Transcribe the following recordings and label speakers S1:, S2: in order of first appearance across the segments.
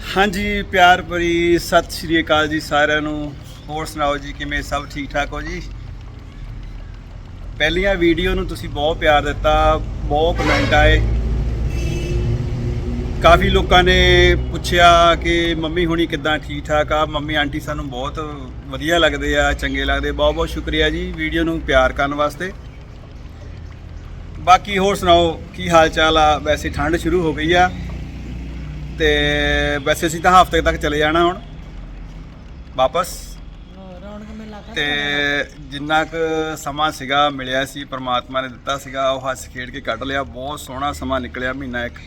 S1: हाँ जी प्यार भरी सत श्री अकाल जी सारिਆਂ ਨੂੰ। ਹੋਰ ਸੁਣਾਓ ਜੀ ਕਿਵੇਂ ਸਭ ਠੀਕ ਠਾਕ ਹੋ ਜੀ। ਪਹਿਲੀਆਂ ਵੀਡੀਓ ਨੂੰ ਤੁਸੀਂ ਬਹੁਤ ਪਿਆਰ ਦਿੱਤਾ, ਬਹੁਤ ਕਮੈਂਟ ਆਏ। ਕਾਫੀ ਲੋਕਾਂ ਨੇ ਪੁੱਛਿਆ ਕਿ ਮੰਮੀ ਹੁਣੀ ਕਿੱਦਾਂ ਠੀਕ ਠਾਕ ਆ। ਮੰਮੀ ਆਂਟੀ ਸਾਨੂੰ ਬਹੁਤ ਵਧੀਆ ਲੱਗਦੇ ਆ, ਚੰਗੇ ਲੱਗਦੇ। ਬਹੁਤ ਬਹੁਤ ਸ਼ੁਕਰੀਆ ਜੀ ਵੀਡੀਓ ਨੂੰ ਪਿਆਰ ਕਰਨ ਵਾਸਤੇ। ਬਾਕੀ ਹੋਰ ਸੁਣਾਓ ਕੀ ਹਾਲ ਚਾਲ ਆ। ਵੈਸੇ ਠੰਡ ਸ਼ੁਰੂ ਹੋ ਗਈ ਆ ਤੇ ਵੈਸੇ ਅਸੀਂ ਤਾਂ ਹਫ਼ਤੇ ਤੱਕ ਚਲੇ ਜਾਣਾ ਹੁਣ ਵਾਪਸ। ਤੇ ਜਿੰਨਾ ਕੁ ਸਮਾਂ ਸੀਗਾ ਮਿਲਿਆ ਸੀ ਪਰਮਾਤਮਾ ਨੇ ਦਿੱਤਾ ਸੀਗਾ ਉਹ ਹੱਸ ਖੇਡ ਕੇ ਕੱਢ ਲਿਆ। ਬਹੁਤ ਸੋਹਣਾ ਸਮਾਂ ਨਿਕਲਿਆ, ਮਹੀਨਾ ਇੱਕ।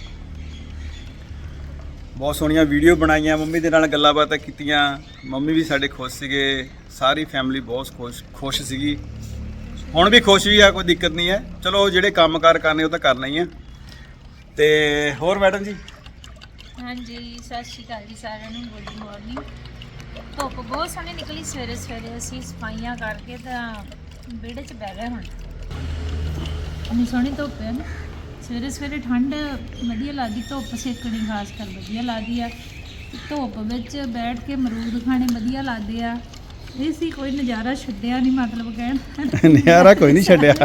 S1: ਬਹੁਤ ਸੋਹਣੀਆਂ ਵੀਡੀਓ ਬਣਾਈਆਂ, ਮੰਮੀ ਦੇ ਨਾਲ ਗੱਲਾਂ ਬਾਤਾਂ ਕੀਤੀਆਂ। ਮੰਮੀ ਵੀ ਸਾਡੇ ਖੁਸ਼ ਸੀਗੇ, ਸਾਰੀ ਫੈਮਿਲੀ ਬਹੁਤ ਖੁਸ਼ ਸੀਗੀ। ਹੁਣ ਵੀ ਖੁਸ਼ ਵੀ ਆ, ਕੋਈ ਦਿੱਕਤ ਨਹੀਂ ਹੈ। ਚਲੋ ਜਿਹੜੇ ਕੰਮ ਕਾਰ ਕਰਨੇ ਉਹ ਤਾਂ ਕਰਨਾ ਹੀ ਆ। ਤੇ ਹੋਰ ਮੈਡਮ ਜੀ।
S2: हाँ जी सत श्री अकाल जी सारिਆਂ ਨੂੰ। Good morning. ਧੁੱਪ ਬਹੁਤ ਸੋਹਣੀ ਨਿਕਲੀ ਸਵੇਰੇ ਸਵੇਰੇ। ਅਸੀਂ ਸਫਾਈਆਂ ਕਰਕੇ ਤਾਂ ਵਿਹੜੇ 'ਚ ਬਹਿ ਗਏ। ਹੁਣ ਇੰਨੀ ਸੋਹਣੀ ਧੁੱਪ ਹੈ ਨਾ, ਸਵੇਰੇ ਸਵੇਰੇ ਠੰਡ ਵਧੀਆ ਲੱਗਦੀ। ਧੁੱਪ ਸੇਕਣੀ ਖਾਸ ਕਰ ਵਧੀਆ ਲੱਗਦੀ ਆ। ਧੁੱਪ ਵਿੱਚ ਬੈਠ ਕੇ ਅਮਰੂਦ ਖਾਣੇ ਵਧੀਆ ਲੱਗਦੇ ਆ। ਇਹ ਸੀ ਕੋਈ ਨਜ਼ਾਰਾ ਛੱਡਿਆ ਨਹੀਂ, ਮਤਲਬ ਕਹਿਣ
S1: ਨਜ਼ਾਰਾ ਕੋਈ ਨਹੀਂ ਛੱਡਿਆ,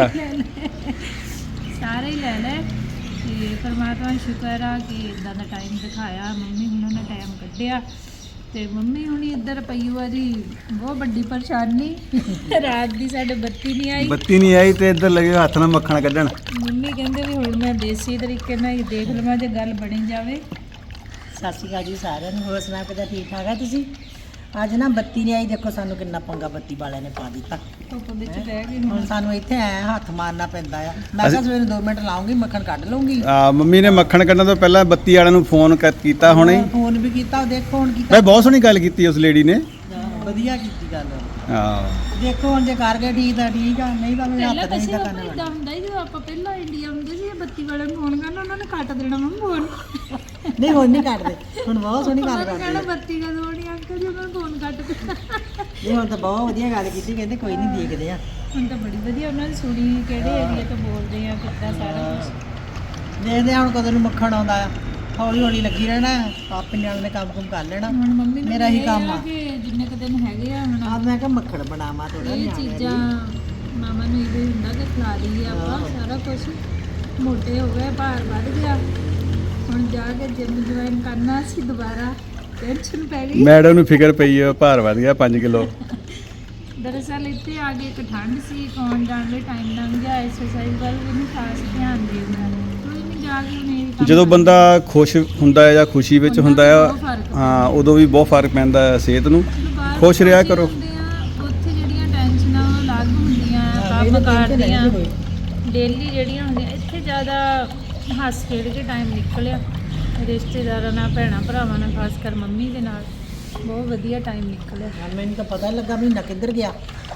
S2: ਸਾਰੇ ਹੀ ਲੈ ਲੈ। ਤੇ ਪਰਮਾਤਮਾ ਦਾ ਸ਼ੁਕਰ ਆ ਕਿ ਇਦਾਂ ਦਾ ਟਾਈਮ ਦਿਖਾਇਆ, ਮੰਮੀ ਹੁਣਾਂ ਨੇ ਟਾਈਮ ਕੱਢਿਆ। ਤੇ ਮੰਮੀ ਹੁਣੀ ਇੱਧਰ ਪਈ ਹੋਆ ਜੀ, ਬਹੁਤ ਵੱਡੀ ਪਰੇਸ਼ਾਨੀ। ਰਾਤ ਦੀ ਸਾਡੇ ਬੱਤੀ ਨਹੀਂ ਆਈ
S1: ਤੇ ਇੱਧਰ ਲੱਗੇ ਹੱਥ ਨਾਲ ਮੱਖਣ ਕੱਢਣ।
S2: ਮੰਮੀ ਕਹਿੰਦੇ ਵੀ ਹੁਣ ਮੈਂ ਦੇਸੀ ਤਰੀਕੇ ਨਾਲ ਹੀ ਦੇਖ ਲਵਾਂ ਜੇ ਗੱਲ ਬਣੀ ਜਾਵੇ।
S3: ਸਤਿ ਸ਼੍ਰੀ ਅਕਾਲ ਜੀ ਸਾਰਿਆਂ ਨੂੰ। ਹੋਰ ਸੁਣਾ ਕਿੱਦਾਂ, ਠੀਕ ਠਾਕ ਆ ਤੁਸੀਂ? ਅੱਜ ਨਾ ਬੱਤੀ ਨਹੀਂ ਆਈ, ਦੇਖੋ ਸਾਨੂੰ ਕਿੰਨਾ ਪੰਗਾ ਬੱਤੀ ਵਾਲਿਆਂ ਨੇ ਪਾ ਦਿੱਤਾ।
S2: ਧੁੱਪ ਵਿੱਚ ਬਹਿ ਗਈ
S3: ਹੁਣ ਸਾਨੂੰ ਇੱਥੇ ਐ ਹੱਥ ਮਾਰਨਾ ਪੈਂਦਾ ਆ। ਮੈਂ ਕਿਹਾ ਸਵੇਰੇ 2 ਮਿੰਟ ਲਾਉਂਗੀ, ਮੱਖਣ ਕੱਢ ਲਊਂਗੀ।
S1: ਮੰਮੀ ਨੇ ਮੱਖਣ ਕੱਢਣ ਤੋਂ ਪਹਿਲਾਂ ਬੱਤੀ ਵਾਲਿਆਂ ਨੂੰ ਫੋਨ ਕੀਤਾ ਹੁਣੇ।
S3: ਫੋਨ ਵੀ ਕੀਤਾ, ਦੇਖੋ ਹੁਣ ਕੀ
S1: ਮੈਂ ਬਹੁਤ ਸੋਹਣੀ ਗੱਲ ਕੀਤੀ ਉਸ ਲੇਡੀ ਨੇ।
S3: ਵਧੀਆ ਕੀਤੀ ਗੱਲ।
S1: ਹਾਂ
S3: ਦੇਖੋ ਹੁਣ ਜੇ ਕਰ ਗਏ ਠੀਕ ਤਾਂ ਠੀਕ ਆ, ਨਹੀਂ ਤਾਂ ਮੇਰੇ
S2: ਪਹਿਲਾਂ
S3: ਹੱਥ
S2: ਤਾਂ
S3: ਨਹੀਂ ਤਾਂ
S2: ਆਪਾਂ
S3: ਕਰਨਾ।
S2: ਇਦਾਂ ਹੁੰਦਾ ਸੀ ਜਦੋਂ ਆਪਾਂ ਪਹਿਲਾਂ ਇੰਡੀਆ ਹੁੰਦੇ ਸੀ, ਬੱਤੀ ਵਾਲੇ ਨੂੰ ਫੋਨ ਕਰਨਾ ਉਹਨਾਂ ਨੇ ਕੱਟ ਦੇਣਾ ਮੰਮੀ ਫੋਨ।
S3: ਨਹੀਂ ਹੁਣ ਨਹੀਂ ਕੱਟਦੇ, ਹੁਣ ਬਹੁਤ ਸੋਹਣੀ ਗੱਲ
S2: ਉਹਨਾਂ ਨੇ
S3: ਕਰਦੇ
S2: ਕਹਿਣਾ
S3: ਆ।
S2: ਬੱਤੀ ਕਦੋਂ ਆਉਣੀ ਅੰਕਲ ਜੀ, ਉਹਨਾਂ ਨੇ ਫੋਨ ਕੱਟ ਦਿੱਤਾ।
S3: ਨਹੀਂ ਹੁਣ ਤਾਂ ਬਹੁਤ ਵਧੀਆ ਗੱਲ ਕੀਤੀ, ਕਹਿੰਦੇ ਕੋਈ ਨਹੀਂ ਦੇਖਦੇ ਆ।
S2: ਹੁਣ ਤਾਂ ਬੜੀ ਵਧੀਆ ਉਹਨਾਂ ਦੀ ਸੁਣੀ, ਕਿਹੜੇ ਏਰੀਆ ਤੋਂ ਬੋਲਦੇ ਆ, ਕਿੱਦਾਂ ਸਾਰਾ ਕੁਝ।
S3: ਦੇਖਦੇ ਆ ਹੁਣ ਕਦੋਂ ਨੂੰ ਮੱਖਣ ਆਉਂਦਾ ਆ। ਹੌਲੀ ਹੌਲੀ ਲੱਗੀ ਰਹਿਣਾ, ਆਪੇ ਨਿਆਣੇ ਨੇ ਕੰਮ ਕਰ ਲੈਣਾ।
S2: ਹੁਣ ਮੰਮੀ ਨੂੰ
S3: ਮੇਰਾ ਹੀ ਕੰਮ ਆ
S2: ਕਿ ਜਿੰਨੇ ਕੁ ਦਿਨ ਹੈਗੇ ਆ ਹੁਣ
S3: ਆਪ ਮੈਂ ਕਿਹਾ ਮੱਖਣ ਬਣਾਵਾਂ ਥੋੜਾ
S2: ਇਹ ਚੀਜ਼ਾਂ ਮਾਮਾ ਨੂੰ ਇਹ ਹੁੰਦਾ ਕਿ ਖਿਲਾ ਦਈਏ ਆਪਾਂ ਸਾਰਾ ਕੁਝ। ਮੋਟੇ ਹੋ ਗਏ, ਭਾਰ ਵੱਧ ਗਿਆ। ਹੁਣ ਜਾ ਕੇ ਜਿਮ ਜੁਆਇਨ ਕਰਨਾ ਸੀ ਦੁਬਾਰਾ, ਟੈਨਸ਼ਨ ਪੈ ਗਈ।
S1: ਮੈਡਮ ਨੂੰ ਫਿਕਰ ਪਈ ਹੈ, ਭਾਰ ਵਧ ਗਿਆ 5 ਕਿਲੋ।
S2: ਦਰਅਸਲ ਇੱਥੇ ਆ ਕੇ ਇੱਕ ਠੰਡ ਸੀ, ਆਉਣ ਜਾਣ ਲਈ ਟਾਈਮ ਲੰਘ ਗਿਆ। ਐਕਸਰਸਾਈਜ਼ ਵੱਲ ਵੀ ਨਹੀਂ ਖਾਸ ਧਿਆਨ ਦੇਣਾ। ਕੋਈ ਨਹੀਂ, ਜਾ ਕੇ ਹੁਣ ਇਹ ਕੰਮ
S1: ਜਦੋਂ ਬੰਦਾ ਖੁਸ਼ ਹੁੰਦਾ ਹੈ ਜਾਂ ਖੁਸ਼ੀ ਵਿੱਚ ਹੁੰਦਾ ਆ, ਹਾਂ ਉਦੋਂ ਵੀ ਬਹੁਤ ਫਰਕ ਪੈਂਦਾ ਹੈ ਸਿਹਤ ਨੂੰ। ਖੁਸ਼ ਰਿਹਾ ਕਰੋ।
S2: ਉੱਥੇ ਜਿਹੜੀਆਂ ਟੈਨਸ਼ਨਾਂ ਉਹ ਅਲੱਗ ਹੁੰਦੀਆਂ, ਕੰਮ ਕਰਦੀਆਂ ਡੇਲੀ ਜਿਹੜੀਆਂ ਹੁੰਦੀਆਂ। ਇੱਥੇ ਜ਼ਿਆਦਾ ਹੱਸ ਖੇਡ ਕੇ ਟਾਈਮ ਨਿਕਲਿਆ, ਰਿਸ਼ਤੇਦਾਰਾਂ ਨਾਲ, ਭੈਣਾਂ ਭਰਾਵਾਂ ਨਾਲ, ਖਾਸ ਕਰ ਮੰਮੀ ਦੇ ਨਾਲ ਬਹੁਤ ਵਧੀਆ ਟਾਈਮ ਨਿਕਲਿਆ।
S3: ਮੈਨੂੰ ਤਾਂ ਪਤਾ ਲੱਗਾ ਮਹੀਨਾ ਕਿੱਧਰ ਗਿਆ,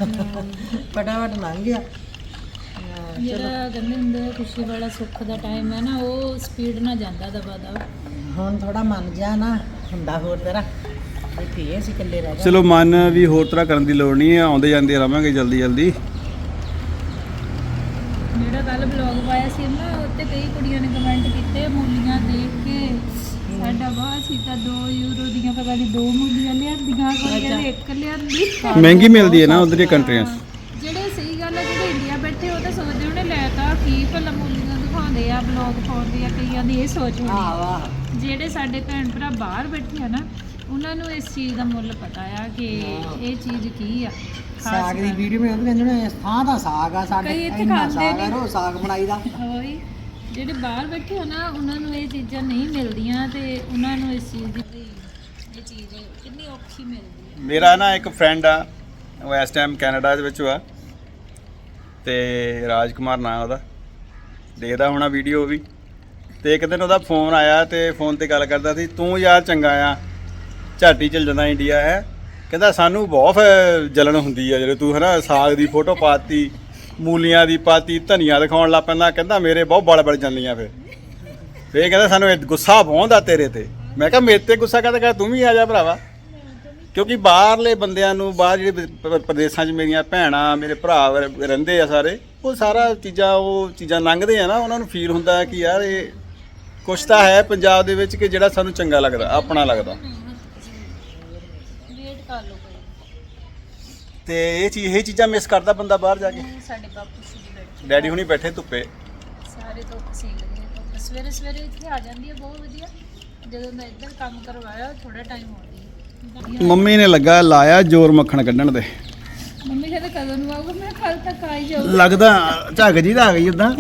S3: ਫਟਾਫਟ ਲੰਘ ਗਿਆ।
S2: ਜਿਹੜਾ ਕਹਿੰਦੇ ਹੁੰਦੇ ਆ ਖੁਸ਼ੀ ਵਾਲਾ ਸੁੱਖ ਦਾ ਟਾਈਮ ਹੈ ਨਾ, ਉਹ ਸਪੀਡ ਨਾਲ ਜਾਂਦਾ ਦਬਾ ਦਬ।
S3: ਹੁਣ ਥੋੜਾ ਮਨ ਜਾ ਨਾ ਹੁੰਦਾ ਹੋਰ ਤਰ੍ਹਾਂ, ਇੱਥੇ ਅਸੀਂ ਇਕੱਲੇ ਰਹਿ ਗਏ।
S1: ਚਲੋ ਮਨ ਵੀ ਹੋਰ ਤਰ੍ਹਾਂ ਕਰਨ ਦੀ ਲੋੜ ਨਹੀਂ ਹੈ, ਆਉਂਦੇ ਜਾਂਦੇ ਰਵਾਂਗੇ ਜਲਦੀ ਜਲਦੀ।
S2: ਜਿਹੜਾ ਕੱਲ ਬਲੌਗ ਪਾਇਆ ਸੀ ਨਾ, ਉੱਤੇ ਕਈ ਕੁੜੀਆਂ ਨੇ ਕਮੈਂਟ ਕੀਤੇ ਮੂਲੀਆਂ ਦੇਖ ਕੇ। ਸਾਡਾ ਬਹੁਤ ਸੀ ਤਾਂ 2 ਯੂਰੋ ਦੀਆਂ ਪਤਾ ਨਹੀਂ 2 ਮੂਲੀਆਂ ਲਿਆਂਦੀਆਂ, ਕੋਈ ਕਹਿੰਦੇ 1 ਲਿਆਂਦੀ।
S1: ਮਹਿੰਗੀ ਮਿਲਦੀ ਹੈ ਨਾ ਉਧਰ ਦੀਆਂ ਕੰਟਰੀਆਂ 'ਚ।
S2: ਜਿਹੜੇ ਸਹੀ ਗੱਲ ਹੈ, ਜਿਹੜੇ ਇੰਡੀਆ ਬੈਠੇ ਉਹ ਤਾਂ ਸੋਚਦੇ ਉਹਨੇ ਲੈ ਤਾਂ ਕੀ ਭਲਾ ਮੂਲੀਆਂ ਦਿਖਾਉਂਦੇ ਆ, ਬਲੌਗ ਪਾਉਂਦੇ ਆ, ਕਈਆਂ ਦੀ ਇਹ ਸੋਚ ਹੋਣੀ।
S3: ਵਾਹ
S2: ਜਿਹੜੇ ਸਾਡੇ ਭੈਣ ਭਰਾ ਬਾਹਰ ਬੈਠੇ ਆ ਨਾ, ਉਹਨਾਂ ਨੂੰ ਇਸ ਚੀਜ਼ ਦਾ ਮੁੱਲ ਪਤਾ ਆ ਕਿ ਇਹ ਚੀਜ਼ ਕੀ ਆ।
S3: ਸਾਗ ਦੀ ਵੀਡੀਓ ਮੈਂ ਉਹ ਵੀ ਕਹਿੰਦੇ ਨੇ ਥਾਂ ਦਾ ਸਾਗ ਆ ਸਾਡੇ,
S2: ਕਈ ਇੱਥੇ
S3: ਇੰਨਾ
S2: ਖਾਂਦੇ
S3: ਸਾਗ ਆ,
S2: ਨਹੀਂ।
S3: ਰੋ ਸਾਗ ਬਣਾਈਦਾ।
S2: ਉਹੀ ਜਿਹੜੇ ਬਾਹਰ ਬੈਠੇ ਆ ਨਾ, ਉਹਨਾਂ ਨੂੰ ਇਹ ਚੀਜ਼ਾਂ ਨਹੀਂ ਮਿਲਦੀਆਂ ਤੇ ਉਹਨਾਂ ਨੂੰ ਇਸ ਚੀਜ਼ ਦੀ ਇਹ ਚੀਜ਼ ਕਿੰਨੀ ਔਖੀ ਮਿਲਦੀ ਹੈ।
S1: ਮੇਰਾ ਨਾ ਇੱਕ ਫਰੈਂਡ ਆ, ਉਹ ਇਸ ਟਾਈਮ ਕੈਨੇਡਾ ਦੇ ਵਿੱਚ ਆ, ਤੇ ਰਾਜਕੁਮਾਰ ਨਾਂ ਉਹਦਾ, ਦੇਖਦਾ ਹੋਣਾ ਵੀਡੀਓ ਵੀ। ਤੇ ਇੱਕ ਦਿਨ ਉਹਦਾ ਫੋਨ ਆਇਆ ਤੇ ਫੋਨ ਤੇ ਗੱਲ ਕਰਦਾ ਸੀ, ਤੂੰ ਯਾਰ ਚੰਗਾ ਆ, ਝਾਟੀ ਚੱਲ ਜਾਂਦਾ ਇੰਡੀਆ ਹੈ। ਕਹਿੰਦਾ ਸਾਨੂੰ ਬਹੁਤ ਜਲਨ ਹੁੰਦੀ ਆ ਜਦੋਂ ਤੂੰ ਹੈ ਨਾ ਸਾਗ ਦੀ ਫੋਟੋ ਪਾਤੀ, ਮੂਲੀਆਂ ਦੀ ਪਾਤੀ, ਧਨੀਆ ਦਿਖਾਉਣ ਲੱਗ ਪੈਂਦਾ। ਕਹਿੰਦਾ ਮੇਰੇ ਬਹੁਤ ਬੜ ਜਾਂਦੀਆਂ। ਫਿਰ ਕਹਿੰਦਾ ਸਾਨੂੰ ਗੁੱਸਾ ਬਹੁੰਦਾ ਤੇਰੇ ਤੇ। ਮੈਂ ਕਿਹਾ ਮੇਰੇ ਤੇ ਗੁੱਸਾ ਕਹਿੰਦਾ ਤੂੰ ਵੀ ਆ ਜਾ ਭਰਾਵਾ। ਕਿਉਂਕਿ ਬਾਹਰਲੇ ਬੰਦਿਆਂ ਨੂੰ, ਬਾਹਰ ਜਿਹੜੇ ਪ੍ਰਦੇਸ਼ਾਂ 'ਚ ਮੇਰੀਆਂ ਭੈਣਾਂ, ਮੇਰੇ ਭਰਾ ਰਹਿੰਦੇ ਆ ਸਾਰੇ, ਉਹ ਸਾਰਾ ਚੀਜ਼ਾਂ ਉਹ ਚੀਜ਼ਾਂ ਲੰਘਦੇ ਆ ਨਾ, ਉਹਨਾਂ ਨੂੰ ਫੀਲ ਹੁੰਦਾ ਕਿ ਯਾਰ ਇਹ ਕੁਛ ਤਾਂ ਹੈ ਪੰਜਾਬ ਦੇ ਵਿੱਚ ਕਿ ਜਿਹੜਾ ਸਾਨੂੰ ਚੰਗਾ ਲੱਗਦਾ, ਆਪਣਾ ਲੱਗਦਾ।
S2: ਵੇਟ ਕਰ ਲਓ ਕੋਈ।
S1: ਤੇ ਇਹ ਚੀਜ਼ਾਂ ਮਿਸ ਕਰਦਾ ਬੰਦਾ ਬਾਹਰ ਜਾ ਕੇ।
S2: ਸਾਡੇ ਬਾਪੂ ਜੀ ਬੈਠੇ,
S1: ਡੈਡੀ ਹੁਣੀ ਬੈਠੇ ਧੁੱਪੇ,
S2: ਸਾਰੇ ਧੁੱਪ ਸੇਕ ਰਹੇ ਆ। ਧੁੱਪ ਸਵੇਰੇ ਸਵੇਰੇ ਇੱਥੇ ਆ ਜਾਂਦੀ ਹੈ, ਬਹੁਤ ਵਧੀਆ। ਜਦੋਂ ਦਾ ਇੱਧਰ ਕੰਮ ਕਰਵਾਇਆ ਥੋੜਾ ਟਾਈਮ ਹੋ ਗਿਆ।
S1: ਮੰਮੀ ਨੇ ਲੱਗਾ ਲਾਇਆ ਜ਼ੋਰ ਮੱਖਣ ਕੱਢਣ ਤੇ।
S2: ਮੰਮੀ ਕਹਿੰਦੇ ਕਦੋਂ ਨੂੰ ਆਊਗਾ, ਮੈਂ ਕੱਲ ਤੱਕ ਆ ਹੀ ਜਾਊਗਾ।
S1: ਲੱਗਦਾ ਝੱਗ ਜੀ ਦਾ ਆ ਗਈ ਉਦਾਂ।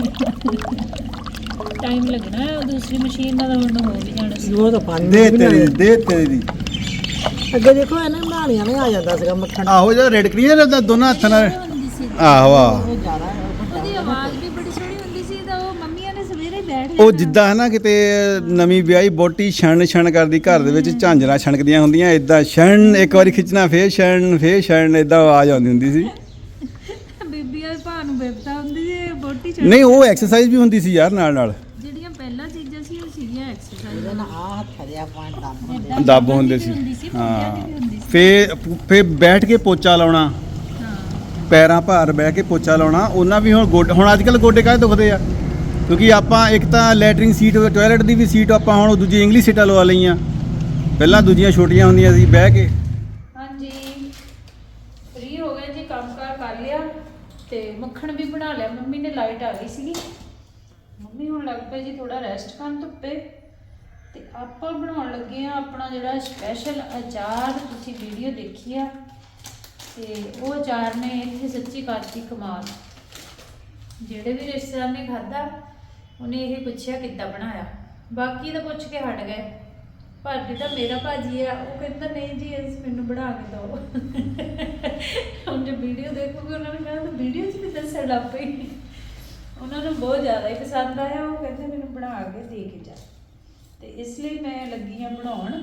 S2: ਟਾਈਮ ਲੱਗਣਾ ਹੈ, ਦੂਸਰੀ ਮਸ਼ੀਨ ਨਾਲ ਹੁਣ ਹੋ ਵੀ ਜਾਣਾ ਸੀ।
S3: ਉਹ ਤਾਂ ਪਾਣੀ
S1: ਦੇ ਤੇਰੀ ਦੀ।
S3: ਅੱਗੇ ਦੇਖੋ ਇਹਨਾਂ ਬਣਾਣੀਆਂ ਨੇ ਆ ਜਾਂਦਾ ਸੀਗਾ ਮੱਖਣ।
S1: ਆਹੋ ਜਿਹੜਾ ਰੈਡ ਕਰੀਏ ਨਾ ਦੋਨਾਂ ਹੱਥਾਂ ਨਾਲ।
S2: ਹੁੰਦੀ ਸੀ
S1: ਆਹੋ ਆਹ
S3: ਉਹ ਜ਼ਿਆਦਾ
S2: ਉਹਦੀ ਆਵਾਜ਼ ਵੀ ਬੜੀ ਸੋਹਣੀ ਹੁੰਦੀ ਸੀ। ਤਾਂ ਉਹ ਮੰਮੀਆਂ ਨੇ ਸਵੇਰੇ ਬੈਠ
S1: ਉਹ ਜਿੱਦਾਂ ਹੈ ਨਾ ਕਿਤੇ ਨਵੀਂ ਵਿਆਹੀ ਬੋਟੀ ਛਣ ਕਰਦੀ ਘਰ ਦੇ ਵਿੱਚ ਝਾਂਜਰਾਂ ਛਣਕਦੀਆਂ ਹੁੰਦੀਆਂ, ਇਦਾਂ ਛਣ ਇੱਕ ਵਾਰੀ ਖਿੱਚਣਾ ਫੇਰ ਛਣ ਇਦਾਂ ਆਵਾਜ਼ ਆਉਂਦੀ ਹੁੰਦੀ ਸੀ।
S2: ਬੀਬੀਆਂ ਭਾ ਨੂੰ ਬੇਬਤਾ ਹੁੰਦੀ ਸੀ, ਬੋਟੀ
S1: ਨਹੀਂ ਉਹ ਐਕਸਰਸਾਈਜ਼ ਵੀ ਹੁੰਦੀ ਸੀ ਯਾਰ ਨਾਲ
S2: ਜਿਹੜੀਆਂ ਪਹਿਲਾਂ ਚੀਜ਼ਾਂ ਸੀ ਉਹ ਸੀਗੀਆਂ ਐਕਸਰਸਾਈਜ਼।
S3: ਇਹਦੇ ਨਾਲ ਆ ਹੱਥ ਦੇ ਆਪਾਂ ਦਮ
S1: ਦੱਬ ਹੁੰਦੇ ਸੀ। ਹਾਂ ਫੇਰ ਬੈਠ ਕੇ ਪੋਚਾ ਲਾਉਣਾ, ਪੈਰਾਂ ਭਾਰ ਬਹਿ ਕੇ ਪੋਚਾ ਲਾਉਣਾ। ਉਹਨਾਂ ਵੀ ਹੁਣ ਅੱਜ ਕੱਲ੍ਹ ਗੋਡੇ ਕਾਹਦੇ ਦੁਖਦੇ ਆ, ਕਿਉਂਕਿ ਆਪਾਂ ਇੱਕ ਤਾਂ ਲੈਟਰਿੰਗ ਸੀਟ, ਟਾਇਲਟ ਦੀ ਵੀ ਸੀਟ ਆਪਾਂ ਹੁਣ ਦੂਜੀ ਇੰਗਲਿਸ਼ ਸੀਟਾਂ ਲਵਾ ਲਈਆਂ। ਪਹਿਲਾਂ ਦੂਜੀਆਂ ਛੋਟੀਆਂ ਹੁੰਦੀਆਂ ਸੀ ਬਹਿ ਕੇ।
S2: ਹਾਂਜੀ ਫ੍ਰੀ ਹੋ ਗਏ ਜੀ, ਕੰਮਕਾਰ ਕਰ ਲਿਆ ਤੇ ਮੱਖਣ ਵੀ ਬਣਾ ਲਿਆ। ਮੰਮੀ ਨੇ ਲਾਈਟ ਆ ਗਈ ਸੀਗੀ, ਮੰਮੀ ਹੁਣ ਲੱਗ ਪਏ ਜੀ ਥੋੜਾ ਰੈਸਟ ਕਰਨ ਧੁੱਪੇ। ਤੇ ਆਪਾਂ ਬਣਾਉਣ ਲੱਗੇ ਆ ਆਪਣਾ ਜਿਹੜਾ ਸਪੈਸ਼ਲ ਅਚਾਰ। ਤੁਸੀਂ ਵੀਡੀਓ ਦੇਖੀ ਆ ਤੇ ਉਹ ਅਚਾਰ ਨੇ ਇੱਥੇ ਸੱਚੀ ਕਰਤੀ ਕਮਾਲ। ਜਿਹੜੇ ਵੀ ਰਿਸ਼ਤੇਦਾਰ ਨੇ ਖਾਧਾ ਉਹਨੇ ਇਹ ਪੁੱਛਿਆ ਕਿੱਦਾਂ ਬਣਾਇਆ, ਬਾਕੀ ਤਾਂ ਪੁੱਛ ਕੇ ਹਟ ਗਏ। ਭਾਜੀ ਤਾਂ ਮੇਰਾ ਭਾਜੀ ਆ, ਉਹ ਕਹਿੰਦਾ ਨਹੀਂ ਜੀ ਇਸ ਮੈਨੂੰ ਬਣਾ ਕੇ ਦਿਓ। ਹੁਣ ਜੇ ਵੀਡੀਓ ਦੇਖੋਗੇ ਉਹਨਾਂ ਨੇ ਕਹਿਣਾ ਵੀਡੀਓ 'ਚ ਵੀ ਦੱਸਣ ਲੱਗ ਪਈ। ਉਹਨਾਂ ਨੂੰ ਬਹੁਤ ਜ਼ਿਆਦਾ ਹੀ ਪਸੰਦ ਆਇਆ, ਉਹ ਕਹਿੰਦੇ ਮੈਨੂੰ ਬਣਾ ਕੇ ਦੇ ਕੇ ਜਾ। ਤੇ ਇਸ ਲਈ ਮੈਂ ਲੱਗੀ ਆ ਬਣਾਉਣ।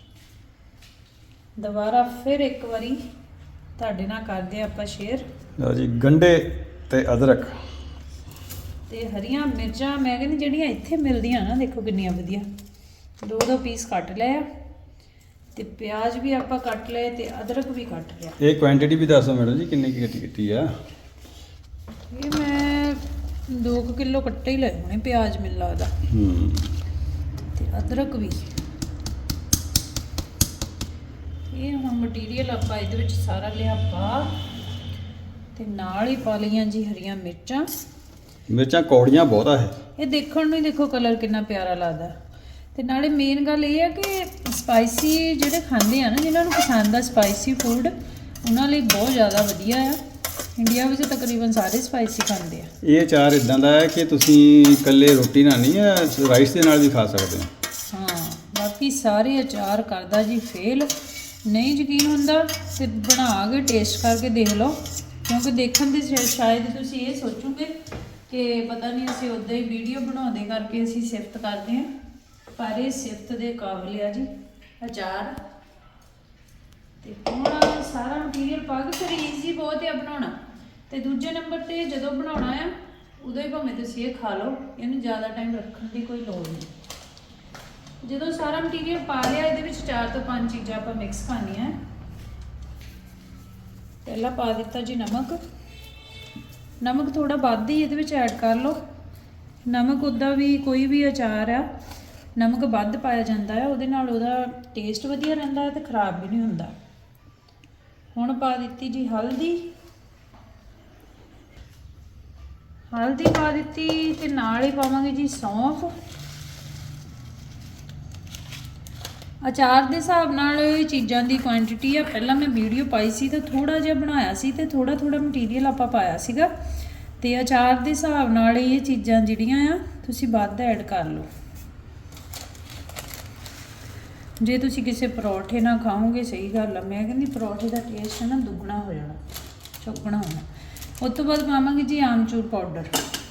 S2: ਦੁਬਾਰਾ ਫਿਰ ਇੱਕ ਵਾਰੀ ਤੁਹਾਡੇ ਨਾਲ ਕਰਦੇ ਆਪਾਂ ਸ਼ੇਅਰ।
S1: ਲਓ ਜੀ ਗੰਢੇ ਤੇ ਅਦਰਕ
S2: ਤੇ ਹਰੀਆਂ ਮਿਰਚਾਂ ਮੈਂ ਕਹਿੰਦੀ ਜਿਹੜੀਆਂ ਇੱਥੇ ਮਿਲਦੀਆਂ ਨਾ, ਦੇਖੋ ਕਿੰਨੀਆਂ ਵਧੀਆ। 2 ਪੀਸ ਕੱਟ ਲਏ ਆ ਤੇ ਪਿਆਜ਼ ਵੀ ਆਪਾਂ ਕੱਟ ਲਏ ਤੇ ਅਦਰਕ ਵੀ ਕੱਟ ਲਿਆ।
S1: ਇਹ ਕੁਆਂਟੀਟੀ ਵੀ ਦੱਸੋ ਮੈਡਮ ਜੀ ਕਿੰਨੀ ਕੀ ਕੀਤੀ ਆ।
S2: ਇਹ ਮੈਂ 2 ਕਿਲੋ ਕੱਟੇ ਹੀ ਲਏ ਹੋਣੇ ਪਿਆਜ਼ ਮੈਨੂੰ ਲੱਗਦਾ। ਤੇ ਅਦਰਕ ਵੀ। ਇਹ ਹੁਣ ਮਟੀਰੀਅਲ ਆਪਾਂ ਇਹਦੇ ਵਿੱਚ ਸਾਰਾ ਲਿਆ ਪਾ ਤੇ ਨਾਲ ਹੀ ਪਾ ਲਈਆਂ ਜੀ ਹਰੀਆਂ ਮਿਰਚਾਂ।
S1: ਮਿਰਚਾਂ ਕੌੜੀਆਂ ਬਹੁਤ ਆ
S2: ਇਹ ਦੇਖਣ ਨੂੰ ਹੀ ਦੇਖੋ ਕਲਰ ਕਿੰਨਾ ਪਿਆਰਾ ਲੱਗਦਾ। ਤੇ ਨਾਲੇ ਮੇਨ ਗੱਲ ਇਹ ਆ ਕਿ ਸਪਾਈਸੀ ਜਿਹੜੇ ਖਾਂਦੇ ਆ ਨਾ, ਜਿਨ੍ਹਾਂ ਨੂੰ ਪਸੰਦ ਆ ਸਪਾਈਸੀ ਫੂਡ, ਉਹਨਾਂ ਲਈ ਬਹੁਤ ਜ਼ਿਆਦਾ ਵਧੀਆ ਆ। ਇੰਡੀਆ ਵਿੱਚ ਤਕਰੀਬਨ ਸਾਰੇ ਸਪਾਈਸੀ ਖਾਂਦੇ ਆ।
S1: ਇਹ ਅਚਾਰ ਇਦਾਂ ਦਾ ਹੈ ਕਿ ਤੁਸੀਂ ਇਕੱਲੇ ਰੋਟੀ ਨਾਲ ਨਹੀਂ, ਰਾਈਸ ਦੇ ਨਾਲ ਵੀ ਖਾ ਸਕਦੇ ਹੋ।
S2: ਹਾਂ ਬਾਕੀ ਸਾਰੇ ਅਚਾਰ ਕਰਦਾ ਜੀ ਫੇਲ। ਨਹੀਂ ਯਕੀਨ ਹੁੰਦਾ ਤੇ ਬਣਾ ਕੇ ਟੇਸਟ ਕਰਕੇ ਦੇਖ ਲਓ, ਕਿਉਂਕਿ ਦੇਖਣ ਦੇ ਸ਼ਾਇਦ ਤੁਸੀਂ ਇਹ ਸੋਚੋਗੇ ਕਿ ਪਤਾ ਨਹੀਂ ਅਸੀਂ ਉੱਦਾਂ ਹੀ ਵੀਡੀਓ ਬਣਾਉਂਦੇ ਕਰਕੇ ਅਸੀਂ ਸਿਫਤ ਕਰਦੇ ਹਾਂ, ਪਰ ਇਹ ਸਿਫਤ ਦੇ ਕਾਬਿਲ ਆ ਜੀ ਅਚਾਰ। ਤੇ ਹੁਣ ਸਾਰਾ ਮਟੀਰੀਅਲ ਪਾ ਕੇ ਫਿਰ ਈਜ਼ੀ ਬਹੁਤ ਹੈ ਬਣਾਉਣਾ। ਤੇ ਦੂਜੇ ਨੰਬਰ ਤੇ ਜਦੋਂ ਬਣਾਉਣਾ ਆ ਉਦੋਂ ਹੀ ਭਾਵੇਂ ਤੁਸੀਂ ਇਹ ਖਾ ਲਓ, ਇਹਨੂੰ ਜ਼ਿਆਦਾ ਟਾਈਮ ਰੱਖਣ ਦੀ ਕੋਈ ਲੋੜ ਨਹੀਂ। ਜਦੋਂ ਸਾਰਾ ਮਟੀਰੀਅਲ ਪਾ ਲਿਆ, ਇਹਦੇ ਵਿੱਚ 4 ਤੋਂ 5 ਚੀਜ਼ਾਂ ਆਪਾਂ ਮਿਕਸ ਕਰਨੀਆਂ। ਪਹਿਲਾਂ ਪਾ ਦਿੱਤਾ ਜੀ ਨਮਕ। ਨਮਕ ਥੋੜਾ ਵੱਧ ਹੀ ਇਹਦੇ ਵਿੱਚ ਐਡ ਕਰ ਲਓ। ਨਮਕ ਉੱਦਾਂ ਵੀ ਕੋਈ ਵੀ ਅਚਾਰ ਆ ਨਮਕ ਵੱਧ ਪਾਇਆ ਜਾਂਦਾ ਹੈ, ਉਹਦੇ ਨਾਲ ਉਹਦਾ ਟੇਸਟ ਵਧੀਆ ਰਹਿੰਦਾ ਹੈ ਤੇ ਖਰਾਬ ਵੀ ਨਹੀਂ ਹੁੰਦਾ। ਹੁਣ ਪਾ ਦਿੱਤੀ ਜੀ ਹਲਦੀ। ਹਲਦੀ ਪਾ ਦਿੱਤੀ ਤੇ ਨਾਲ ਹੀ ਪਾਵਾਂਗੇ ਜੀ ਸੌਂਫ। ਅਚਾਰ ਦੇ ਹਿਸਾਬ ਨਾਲ ਇਹ ਚੀਜ਼ਾਂ ਦੀ ਕੁਆਂਟੀਟੀ ਆ। ਪਹਿਲਾਂ ਮੈਂ ਵੀਡੀਓ ਪਾਈ ਸੀ ਤਾਂ ਥੋੜਾ ਜਿਹਾ ਬਣਾਇਆ ਸੀ ਤੇ ਥੋੜਾ ਮਟੀਰੀਅਲ ਆਪਾਂ ਪਾਇਆ ਸੀਗਾ। ਤੇ ਅਚਾਰ ਦੇ ਹਿਸਾਬ ਨਾਲ ਇਹ ਚੀਜ਼ਾਂ ਜਿਹੜੀਆਂ ਆ ਤੁਸੀਂ ਵੱਧ ਐਡ ਕਰ ਲਓ। ਜੇ ਤੁਸੀਂ ਕਿਸੇ ਪਰੌਠੇ ਨਾਲ ਖਾਓਗੇ, ਸਹੀ ਗੱਲ ਆ, ਮੈਂ ਕਹਿੰਦੀ ਪਰੌਠੇ ਦਾ ਟੇਸਟ ਨਾ ਦੁੱਗਣਾ ਹੋ ਜਾਣਾ, ਚੌਗਣਾ ਹੋਣਾ। ਉਸ ਤੋਂ ਬਾਅਦ ਪਾਵਾਂਗੇ ਜੀ ਆਮਚੂਰ ਪਾਊਡਰ।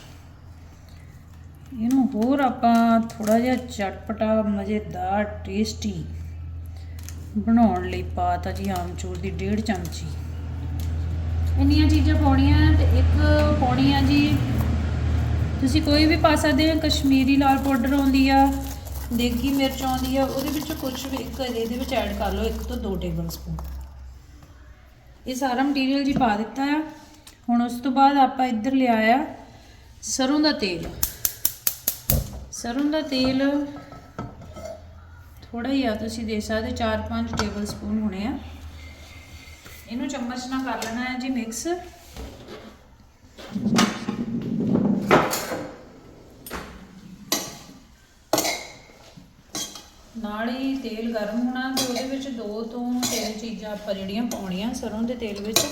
S2: ਇਹਨੂੰ ਹੋਰ ਆਪਾਂ ਥੋੜਾ ਜਿਹਾ ਚਟਪਟਾ ਮਜ਼ੇਦਾਰ ਟੇਸਟੀ ਬਣਾਉਣ ਲਈ ਪਾਤਾ ਜੀ ਆਮਚੂਰ ਦੀ 1.5 ਚਮਚੀ। ਇੰਨੀਆਂ ਚੀਜ਼ਾਂ ਪਾਉਣੀਆਂ। ਤੇ ਇੱਕ ਪਾਉਣੀ ਆ ਜੀ, ਤੁਸੀਂ ਕੋਈ ਵੀ ਪਾ ਸਕਦੇ ਹੋ। ਕਸ਼ਮੀਰੀ ਲਾਲ ਪਾਊਡਰ ਆਉਂਦੀ ਆ, ਦੇਗੀ ਮਿਰਚ ਆਉਂਦੀ ਆ, ਉਹਦੇ ਵਿੱਚੋਂ ਕੁਛ ਵੀ ਇੱਕ ਇਹਦੇ ਵਿੱਚ ਐਡ ਕਰ ਲਓ, 1 ਤੋਂ 2 ਟੇਬਲ ਸਪੂਨ। ਇਹ ਸਾਰਾ ਮਟੀਰੀਅਲ ਜੀ ਪਾ ਦਿੱਤਾ ਆ। ਹੁਣ ਉਸ ਤੋਂ ਬਾਅਦ ਆਪਾਂ ਇੱਧਰ ਲਿਆਇਆ ਸਰੋਂ ਦਾ ਤੇਲ। ਸਰੋਂ ਦਾ ਤੇਲ ਥੋੜਾ ਹੀ ਆ, ਤੁਸੀਂ ਦੇਖ ਸਕਦੇ 4-5 ਟੇਬਲ ਸਪੂਨ ਹੋਣੇ ਆ। ਇਹਨੂੰ ਚਮਚ ਨਾਲ ਕਰ ਲੈਣਾ ਹੈ ਜੀ ਮਿਕਸ। ਨਾਲ ਹੀ ਤੇਲ ਗਰਮ ਹੋਣਾ ਤੇ ਉਹਦੇ ਵਿੱਚ 2 ਤੋਂ 3 ਚੀਜ਼ਾਂ ਆਪਾਂ ਜਿਹੜੀਆਂ ਪਾਉਣੀਆਂ ਸਰੋਂ ਦੇ ਤੇਲ ਵਿੱਚ।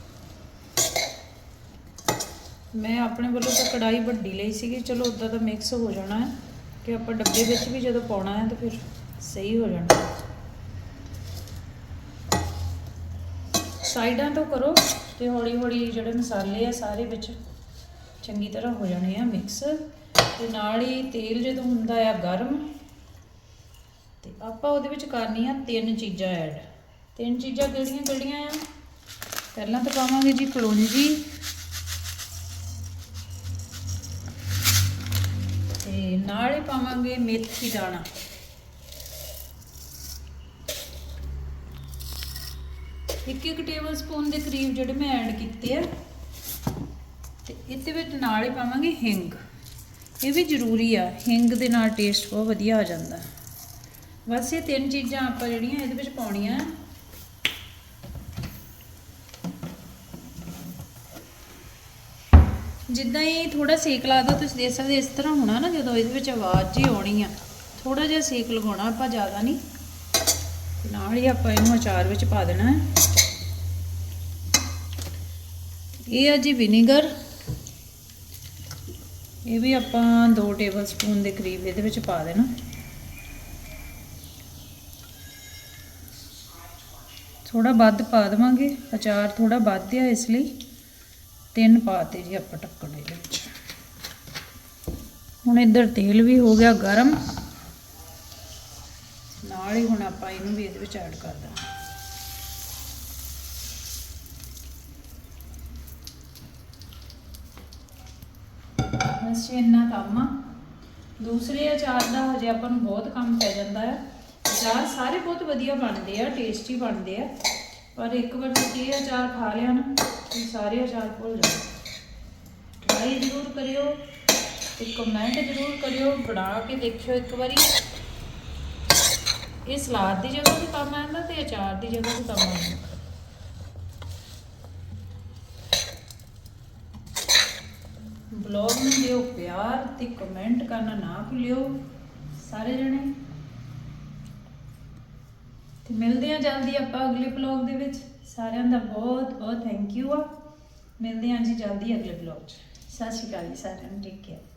S2: ਮੈਂ ਆਪਣੇ ਵੱਲੋਂ ਤਾਂ ਕੜਾਈ ਵੱਡੀ ਲਈ ਸੀਗੀ, ਚਲੋ ਉੱਦਾਂ ਤਾਂ ਮਿਕਸ ਹੋ ਜਾਣਾ ਹੈ ਕਿ ਆਪਾਂ ਡੱਬੇ ਵਿੱਚ ਵੀ ਜਦੋਂ ਪਾਉਣਾ ਹੈ ਤਾਂ ਫਿਰ ਸਹੀ ਹੋ ਜਾਣਾ। ਸਾਈਡਾਂ ਤੋਂ ਕਰੋ ਤੇ ਹੌਲੀ ਹੌਲੀ ਜਿਹੜੇ ਮਸਾਲੇ ਆ ਸਾਰੇ ਵਿੱਚ ਚੰਗੀ ਤਰ੍ਹਾਂ ਹੋ ਜਾਣੇ ਆ ਮਿਕਸ। ਤੇ ਨਾਲ ਹੀ ਤੇਲ ਜਦੋਂ ਹੁੰਦਾ ਆ ਗਰਮ ਤੇ ਆਪਾਂ ਉਹਦੇ ਵਿੱਚ ਕਰਨੀ ਆ 3 ਚੀਜ਼ਾਂ ਐਡ। 3 ਚੀਜ਼ਾਂ ਕਿਹੜੀਆਂ ਆ? ਪਹਿਲਾਂ ਤਾਂ ਪਾਵਾਂਗੇ ਜੀ ਕਲੌਂਜੀ, ਤੇ ਨਾਲ ਹੀ ਪਾਵਾਂਗੇ ਮੇਥੀ ਦਾਣਾ। ਇੱਕ ਟੇਬਲ ਸਪੂਨ ਦੇ ਕਰੀਬ ਜਿਹੜੇ ਮੈਂ ਐਡ ਕੀਤੇ ਆ। ਤੇ ਇਹਦੇ ਵਿੱਚ ਨਾਲ ਹੀ ਪਾਵਾਂਗੇ ਹਿੰਗ। ਇਹ ਵੀ ਜ਼ਰੂਰੀ ਆ, ਹਿੰਗ ਦੇ ਨਾਲ ਟੇਸਟ ਬਹੁਤ ਵਧੀਆ ਆ ਜਾਂਦਾ। ਬਸ ਇਹ 3 ਚੀਜ਼ਾਂ ਆਪਾਂ ਜਿਹੜੀਆਂ ਇਹਦੇ ਵਿੱਚ ਪਾਉਣੀਆਂ। ਜਿੱਦਾਂ ਹੀ ਥੋੜਾ ਸੇਕ ਲਾਦਾ ਤੁਸੀਂ ਦੇਖ ਸਕਦੇ ਇਸ ਤਰ੍ਹਾਂ ਹੋਣਾ ਨਾ, ਜਦੋਂ ਇਹਦੇ ਵਿੱਚ ਆਵਾਜ਼ ਜੀ ਆਉਣੀ ਆ, ਥੋੜਾ ਜਿਹਾ ਸੇਕ ਲਗਾਉਣਾ ਆਪਾਂ, ਜ਼ਿਆਦਾ ਨਹੀਂ। ਨਾਲ ਹੀ ਆਪਾਂ ਇਹਨੂੰ ਅਚਾਰ ਵਿੱਚ ਪਾ ਦੇਣਾ ਹੈ। ਇਹ ਆ ਜੀ ਵਿਨੀਗਰ, ਇਹ ਵੀ ਆਪਾਂ 2 ਟੇਬਲ ਸਪੂਨ ਦੇ ਕਰੀਬ ਇਹਦੇ ਵਿੱਚ ਪਾ ਦੇਣਾ। ਥੋੜਾ ਵੱਧ ਪਾ ਦੇਵਾਂਗੇ, ਅਚਾਰ ਥੋੜਾ ਵੱਧ ਆ ਇਸ ਲਈ 3 ਪਾਤੇ ਜੀ ਆਪਾਂ ਢੱਕਣ ਦੇ ਵਿੱਚ। ਹੁਣ ਇੱਧਰ ਤੇਲ ਵੀ ਹੋ ਗਿਆ ਗਰਮ, ਨਾਲ ਹੀ ਹੁਣ ਆਪਾਂ ਇਹਨੂੰ ਵੀ ਇਹਦੇ ਵਿੱਚ ਐਡ ਕਰ ਦੇਣਾ। ਬਸ ਇੰਨਾ ਕੰਮ ਆ। ਦੂਸਰੇ ਅਚਾਰ ਦਾ ਹਜੇ ਆਪਾਂ ਨੂੰ ਬਹੁਤ ਕੰਮ ਪੈ ਜਾਂਦਾ ਹੈ। ਅਚਾਰ ਸਾਰੇ ਬਹੁਤ ਵਧੀਆ ਬਣਦੇ ਆ, ਟੇਸਟੀ ਬਣਦੇ ਆ, ਪਰ ਇੱਕ ਵਾਰ ਤੁਸੀਂ ਇਹ ਅਚਾਰ ਖਾ ਲਿਆ ਨਾ ਤੁਸੀਂ ਸਾਰੇ ਅਚਾਰ ਭੁੱਲ ਜਾਓ। ਟਰਾਈ ਜ਼ਰੂਰ ਕਰਿਓ ਤੇ ਕਮੈਂਟ ਜ਼ਰੂਰ ਕਰਿਓ, ਬਣਾ ਕੇ ਦੇਖਿਓ ਇੱਕ ਵਾਰੀ। ਇਹ ਸਲਾਦ ਦੀ ਜਗ੍ਹਾ ਤੇ ਕੰਮ ਆਉਂਦਾ ਤੇ ਅਚਾਰ ਦੀ ਜਗ੍ਹਾ ਤੇ ਕੰਮ ਆਉਂਦਾ। ਬਲੌਗ ਨੂੰ ਦਿਓ ਪਿਆਰ ਤੇ ਕਮੈਂਟ ਕਰਨਾ ਨਾ ਭੁੱਲਿਓ ਸਾਰੇ ਜਣੇ। ਤੇ ਮਿਲਦੇ ਹਾਂ ਜਲਦੀ ਆਪਾਂ ਅਗਲੇ ਬਲੌਗ ਦੇ ਵਿੱਚ। ਸਾਰਿਆਂ ਦਾ ਬਹੁਤ ਬਹੁਤ ਥੈਂਕ ਯੂ ਆ। ਮਿਲਦੇ ਹਾਂ ਜੀ ਜਲਦੀ ਅਗਲੇ ਬਲੌਗ 'ਚ। ਸਤਿ ਸ਼੍ਰੀ ਅਕਾਲ ਜੀ ਸਾਰਿਆਂ ਨੂੰ, ਟੇਕ ਕੇਅਰ।